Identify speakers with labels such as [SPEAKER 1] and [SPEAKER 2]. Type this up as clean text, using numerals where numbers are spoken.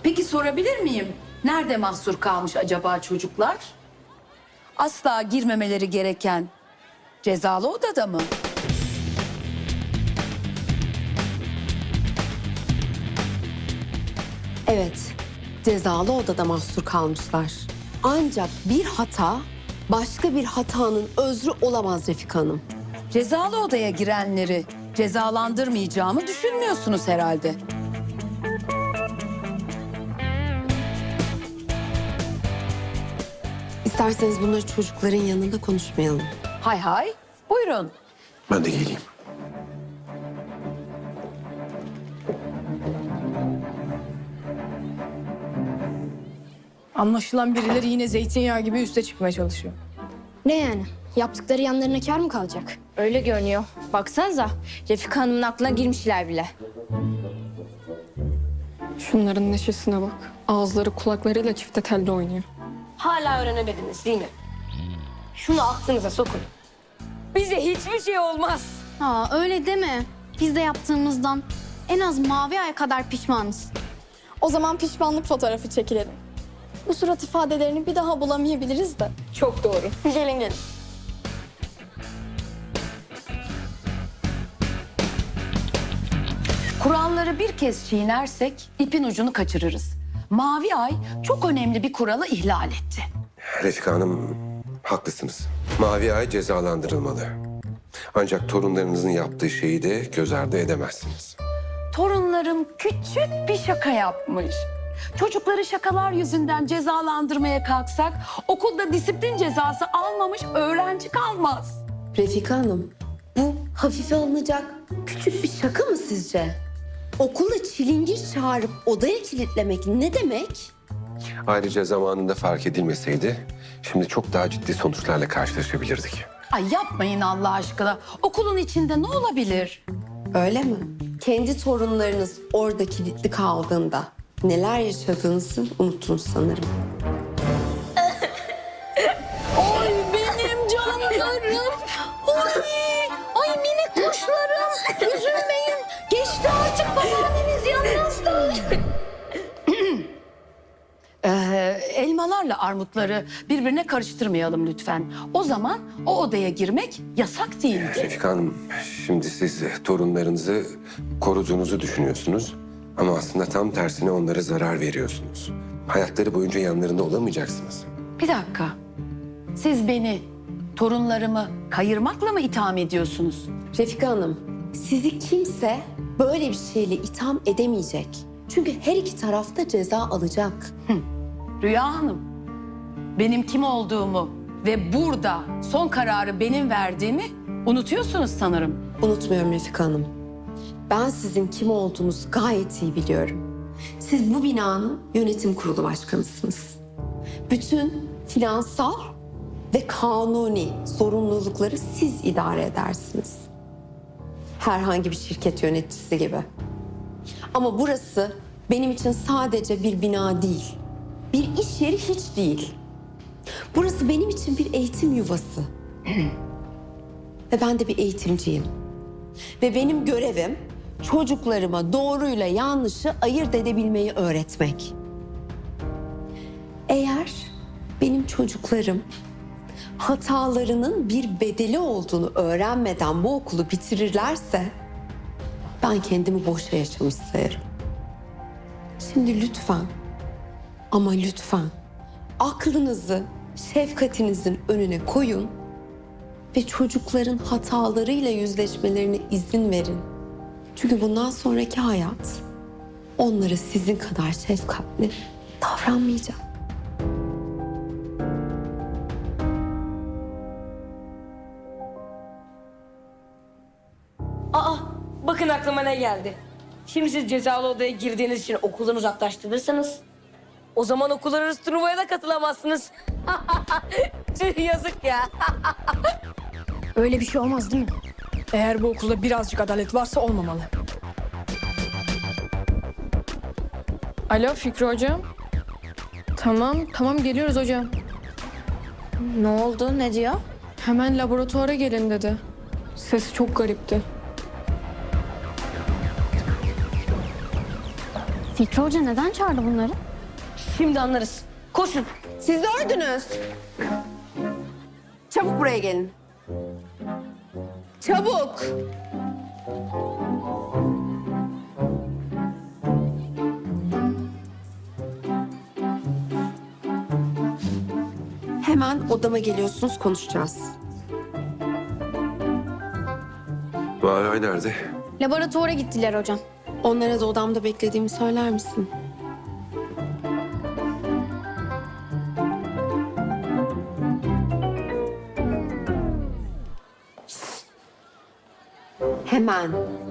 [SPEAKER 1] Peki sorabilir miyim? Nerede mahsur kalmış acaba çocuklar? Asla girmemeleri gereken cezalı odada mı?
[SPEAKER 2] Evet, cezalı odada mahsur kalmışlar. Ancak bir hata başka bir hatanın özrü olamaz Refika Hanım.
[SPEAKER 1] Cezalı odaya girenleri cezalandırmayacağımı düşünmüyorsunuz herhalde.
[SPEAKER 2] İsterseniz bunları çocukların yanında konuşmayalım.
[SPEAKER 1] Hay hay, buyurun.
[SPEAKER 3] Ben de geleyim.
[SPEAKER 4] Anlaşılan birileri yine zeytinyağı gibi üste çıkmaya çalışıyor.
[SPEAKER 5] Ne yani? Yaptıkları yanlarına kâr mı kalacak?
[SPEAKER 6] Öyle görünüyor. Baksanıza Refika Hanım'ın aklına girmişler bile.
[SPEAKER 7] Şunların neşesine bak. Ağızları kulaklarıyla çifte telde oynuyor.
[SPEAKER 6] Hala öğrenemediniz değil mi? Şunu aklınıza sokun. Bize hiçbir şey olmaz.
[SPEAKER 5] Aa öyle deme. Biz de yaptığımızdan en az mavi aya kadar pişmanız.
[SPEAKER 8] O zaman pişmanlık fotoğrafı çekilelim. Bu surat ifadelerini bir daha bulamayabiliriz de.
[SPEAKER 6] Çok doğru.
[SPEAKER 8] Gelin gelin.
[SPEAKER 1] Kuralları bir kez çiğnersek ipin ucunu kaçırırız. Mavi Ay çok önemli bir kuralı ihlal etti.
[SPEAKER 3] Refika Hanım, haklısınız. Mavi Ay cezalandırılmalı. Ancak torunlarınızın yaptığı şeyi de göz ardı edemezsiniz.
[SPEAKER 1] Torunlarım küçük bir şaka yapmış. Çocukları şakalar yüzünden cezalandırmaya kalksak okulda disiplin cezası almamış öğrenci kalmaz.
[SPEAKER 2] Refika Hanım, bu hafife alınacak küçük bir şaka mı sizce? Okula çilingir çağırıp odaya kilitlemek ne demek?
[SPEAKER 3] Ayrıca zamanında fark edilmeseydi şimdi çok daha ciddi sonuçlarla karşılaşabilirdik.
[SPEAKER 1] Ay yapmayın Allah aşkına. Okulun içinde ne olabilir?
[SPEAKER 2] Öyle mi? Kendi torunlarınız orada kilitli kaldığında neler yaşadığınızı unuttunuz sanırım.
[SPEAKER 1] Ay benim canlarım. Ay minik kuşlarım. Üzülmeyin. Geçti artık babaanneniz yanınızda. Elmalarla armutları birbirine karıştırmayalım lütfen. O zaman o odaya girmek yasak değildi.
[SPEAKER 3] Refika Hanım, şimdi siz torunlarınızı koruduğunuzu düşünüyorsunuz. Ama aslında tam tersine onlara zarar veriyorsunuz. Hayatları boyunca yanlarında olamayacaksınız.
[SPEAKER 1] Bir dakika. Siz beni, torunlarımı kayırmakla mı itham ediyorsunuz?
[SPEAKER 2] Refika Hanım, sizi kimse böyle bir şeyle itham edemeyecek. Çünkü her iki taraf da ceza alacak.
[SPEAKER 1] Rüya Hanım, benim kim olduğumu ve burada son kararı benim verdiğimi unutuyorsunuz sanırım.
[SPEAKER 2] Unutmuyorum Refika Hanım. Ben sizin kim olduğunuzu gayet iyi biliyorum. Siz bu binanın yönetim kurulu başkanısınız. Bütün finansal ve kanuni sorumlulukları siz idare edersiniz. Herhangi bir şirket yöneticisi gibi. Ama burası benim için sadece bir bina değil. Bir iş yeri hiç değil. Burası benim için bir eğitim yuvası. Ve ben de bir eğitimciyim. Ve benim görevim çocuklarıma doğruyla yanlışı ayırt edebilmeyi öğretmek. Eğer benim çocuklarım hatalarının bir bedeli olduğunu öğrenmeden bu okulu bitirirlerse ben kendimi boşa yaşamış sayarım. Şimdi lütfen ama lütfen aklınızı şefkatinizin önüne koyun ve çocukların hatalarıyla yüzleşmelerine izin verin. Çünkü bundan sonraki hayat onlara sizin kadar şefkatli davranmayacak.
[SPEAKER 6] Aa, bakın aklıma ne geldi. Şimdi siz cezalı odaya girdiğiniz için okuldan uzaklaştırırsanız... ...o zaman okullar arası turnuvaya da katılamazsınız. Tüh, yazık ya.
[SPEAKER 4] Öyle bir şey olmaz değil mi? Eğer bu okulda birazcık adalet varsa olmamalı.
[SPEAKER 7] Alo Fikri hocam. Tamam geliyoruz hocam.
[SPEAKER 6] Ne oldu, ne diyor?
[SPEAKER 7] Hemen laboratuvara gelin dedi. Sesi çok garipti.
[SPEAKER 5] Fikri Hoca neden çağırdı bunları?
[SPEAKER 6] Şimdi anlarız. Koşun.
[SPEAKER 2] Siz dördünüz. Çabuk buraya gelin. Çabuk. Hemen odama geliyorsunuz, konuşacağız.
[SPEAKER 3] Mavi Ay nerede?
[SPEAKER 5] Laboratuvara gittiler hocam.
[SPEAKER 2] Onlara da odamda beklediğimi söyler misin? Hemen.